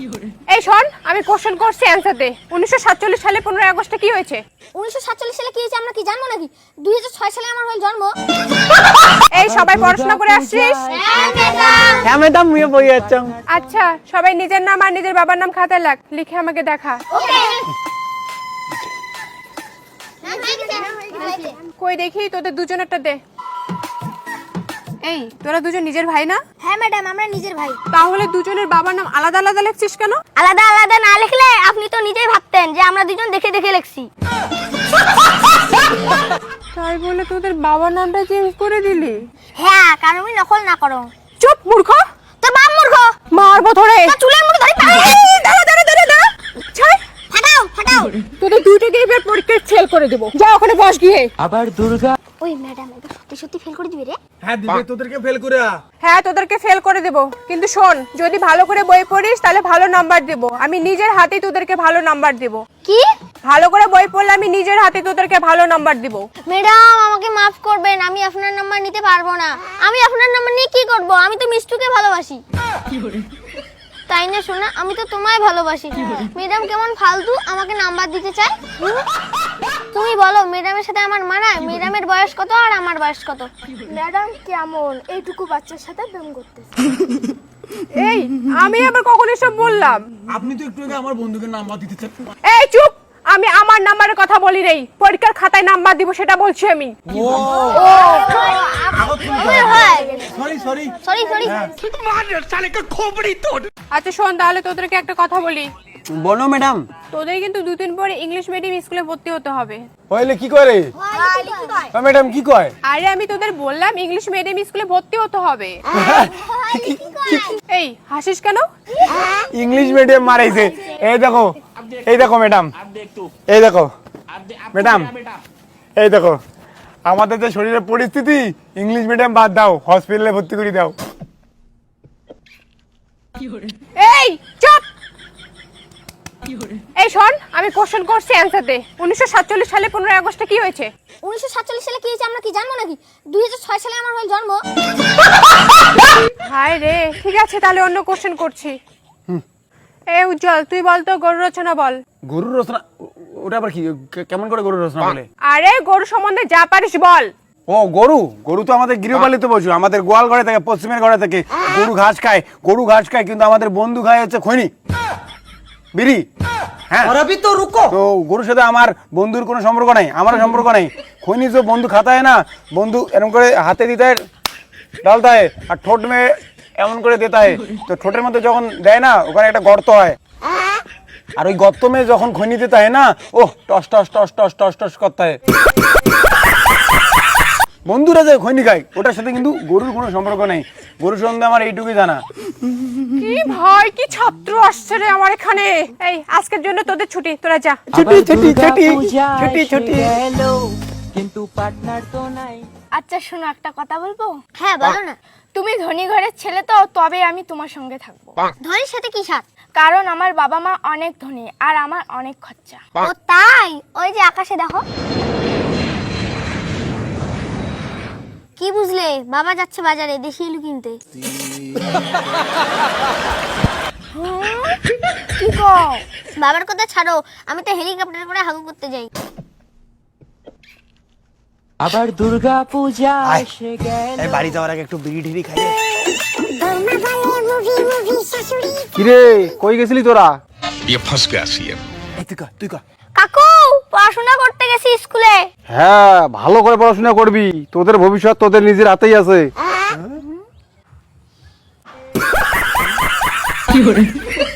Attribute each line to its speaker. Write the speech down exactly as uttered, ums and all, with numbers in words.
Speaker 1: এই শোন, আমি কোশ্চেন করছি অ্যানসার দে। উনিশশো সাতচল্লিশ সালে পনেরোই আগস্টে কি হয়েছে?
Speaker 2: উনিশশো সাতচল্লিশ সালে কি হয়েছে আমরা কি জানবো নাকি? দুই হাজার ছয় সালে আমার হল জন্ম।
Speaker 1: এই সবাই পড়াশোনা করে আসছিস?
Speaker 3: হ্যাঁ ম্যাডাম, আমি বই যাচ্ছি।
Speaker 1: আচ্ছা, সবাই নিজের নাম আর নিজের বাবার নাম খাতায় লেখ, লিখে আমাকে দেখা।
Speaker 2: ওকে।
Speaker 1: কই দেখি তোদের দুজনেরটা দে। এই তোরা দুজন নিজের ভাই না?
Speaker 2: হ্যাঁ ম্যাডাম, আমরা নিজের ভাই।
Speaker 1: তাহলে দুজনের বাবার নাম আলাদা আলাদা লিখছিস কেন?
Speaker 2: আলাদা আলাদা না লিখলে আপনি তো নিজেই ভাবতেন যে আমরা দুজন দেখে দেখে লিখছি।
Speaker 1: তাই বলে তোদের বাবার নামটা চেঞ্জ করে দিলি?
Speaker 2: হ্যাঁ, কারণ আমি নকল না করো।
Speaker 1: চুপ মূর্খ!
Speaker 2: তো বাপ মূর্খ।
Speaker 1: মারবো ধরে।
Speaker 2: তা চুলের মুঠি ধরে পায়ে।
Speaker 1: এই, দাঁড়া দাঁড়া দাঁড়া দাঁড়া। ছাড়।
Speaker 2: ফাটাও ফাটাও।
Speaker 1: তোদের দুইটাকে এবার পরীক্ষায় ফেল করে দেব। যা ওখানে বস গিয়ে।
Speaker 3: আবার দুর্গা।
Speaker 2: ওই ম্যাডাম এটা সত্যি সত্যি ফেল করে দিবে রে?
Speaker 4: হ্যাঁ দিবে, তোদেরকে ফেল করে।
Speaker 1: হ্যাঁ তোদেরকে ফেল করে দেব, কিন্তু শোন, যদি ভালো করে বই পড়িস তাহলে ভালো নাম্বার দেব। আমি নিজের হাতেই তোদেরকে ভালো নাম্বার দেব।
Speaker 2: কি?
Speaker 1: ভালো করে বই পড়লে আমি নিজের হাতে তোদেরকে ভালো নাম্বার দেব।
Speaker 2: ম্যাডাম আমাকে মাফ করবেন, আমি আপনার নাম্বার নিতে পারবো না। আমি আপনার নাম্বার নিয়ে কি করব? আমি তো মিষ্টুকে ভালোবাসি। তাই না শোনা, আমি তো তোমায় ভালোবাসি। ম্যাডাম কেমন ফালতু আমাকে নাম্বার দিতে চায়। তুমি বলো ম্যাডামের সাথে আমার মানায়? ম্যাডামের বয়স কত আর আমার বয়স কত? ম্যাডাম কেমন এইটুকু বাচ্চার সাথে প্রেম করতেছে?
Speaker 1: এই আমি আবার কখন এসব বললাম?
Speaker 4: আপনি তো একটু আগে আমার বন্ধুকে নাম্বার দিতে চান।
Speaker 1: এই চুপ! আমি আমার নাম্বারের কথা বলি নাই, পরীক্ষার খাতায় নাম্বার দিব সেটা বলছি আমি।
Speaker 4: ও সরি সরি
Speaker 2: সরি সরি।
Speaker 1: আচ্ছা শোন, তাহলে তোদেরকে একটা কথা বলি।
Speaker 3: বলো ম্যাডাম।
Speaker 1: তোদের কিন্তু দুদিন পরে ইংলিশ মিডিয়াম স্কুলে ভর্তি হতে হবে।
Speaker 4: হইলে কি করে? ম্যাডাম কি কয়?
Speaker 1: আরে আমি তোদের বললাম ইংলিশ মিডিয়াম স্কুলে ভর্তি হতে হবে। এই হাসিস কেন?
Speaker 4: ইংলিশ মিডিয়াম মারাইছে। এই দেখো, এই দেখো ম্যাডাম, এই দেখো ম্যাডাম, এই দেখো আমাদের যে শরীরের পরিস্থিতি, ইংলিশ মিডিয়াম বাদ দাও, হসপিটালে ভর্তি করে দাও।
Speaker 1: এই চুপ! এই শোন, আমি কোশ্চেন করছি অ্যানসার দে। উনিশশো সাতচল্লিশ সালে পনেরোই আগস্টে কি হয়েছে?
Speaker 2: উনিশশো সাতচল্লিশ সালে কি হয়েছে আমরা কি জানবো নাকি? দুই হাজার ছয় সালে আমার হল জন্ম।
Speaker 1: হায় রে, ঠিক আছে তাহলে অন্য কোশ্চেন করছি। এই উজ্জ্বল, তুই বল তো গরু রচনা বল।
Speaker 4: গরুর রচনা? ওটা আবার কি? কেমন করে গরুর রচনা বলে?
Speaker 1: আরে গরু সম্বন্ধে যা পারিস বল।
Speaker 4: ও গরু, গরু তো আমাদের গৃহপালিত পশু। আমাদের গোয়াল ঘরে থাকে, পশ্চিমের ঘরে থাকে। গরু ঘাস খায়, গরু ঘাস খায়, কিন্তু আমাদের বন্ধু খায় হচ্ছে খৈনি, বিড়ি। হ্যাঁ,
Speaker 3: और अभी तो रुको।
Speaker 4: তো গরুর সাথে আমার বন্ধুর কোনো সম্পর্ক নাই, আমারও সম্পর্ক নাই। খৈনি তো বন্ধু খাতা হয় না, বন্ধু এরকম করে হাতে দিতে হয়, ডালতা হয়, আর ঠোঁট মেয়ে এমন করে দিতে হয়। তো ঠোঁটের মধ্যে যখন দেয় না, ওখানে একটা গর্ত হয়, আর ওই গর্ত মেয়ে যখন খৈনি দিতে হয় না, ও toss toss toss toss toss toss করতে হয়। বন্ধুরা যে খৈনি খায়, ওটার সাথে কিন্তু গরুর কোনো সম্পর্ক নেই। গরুর সম্বন্ধে আমার এইটুকুই জানা।
Speaker 1: কি ভাই, কি ছাত্র আসছে রে আমার এখানে। এই আজকের জন্য তোদের ছুটি, তোরা যা।
Speaker 4: ছুটি ছুটি ছুটি ছুটি ছুটি।
Speaker 3: কিন্তু পার্টনার তো নাই।
Speaker 1: আচ্ছা শোনো, একটা কথা বলবো?
Speaker 2: হ্যাঁ বলো না।
Speaker 1: তুমি ধনী ঘরের ছেলে তো, তবে আমি তোমার সঙ্গে থাকবো।
Speaker 2: ধনীর সাথে কি সাথ?
Speaker 1: কারণ আমার বাবা মা অনেক ধনী আর আমার অনেক খরচা।
Speaker 2: ও তাই? ওই যে আকাশে দেখো। কি বুঝলে? বাবা যাচ্ছে বাজারে দেশি আলু কিনতে।
Speaker 1: কি গো?
Speaker 2: বাবার কথা ছাড়ো, আমি তো হেলিকপ্টার করে হাগু করতে যাই।
Speaker 3: আবার দুর্গা পূজা এসে গেল।
Speaker 4: এই বাড়ি যাওয়ার আগে একটু বিড়ি ঢিড়ি খাই। কিরে কই গেছিলি তোরা?
Speaker 5: ये फंस गया सीएम।
Speaker 4: এই তুই কর, তুই কর।
Speaker 2: কাকু পড়াশোনা করতে গেছি স্কুলে।
Speaker 4: হ্যাঁ, ভালো করে পড়াশোনা করবি, তোদের ভবিষ্যৎ তোদের নিজের হাতেই আছে।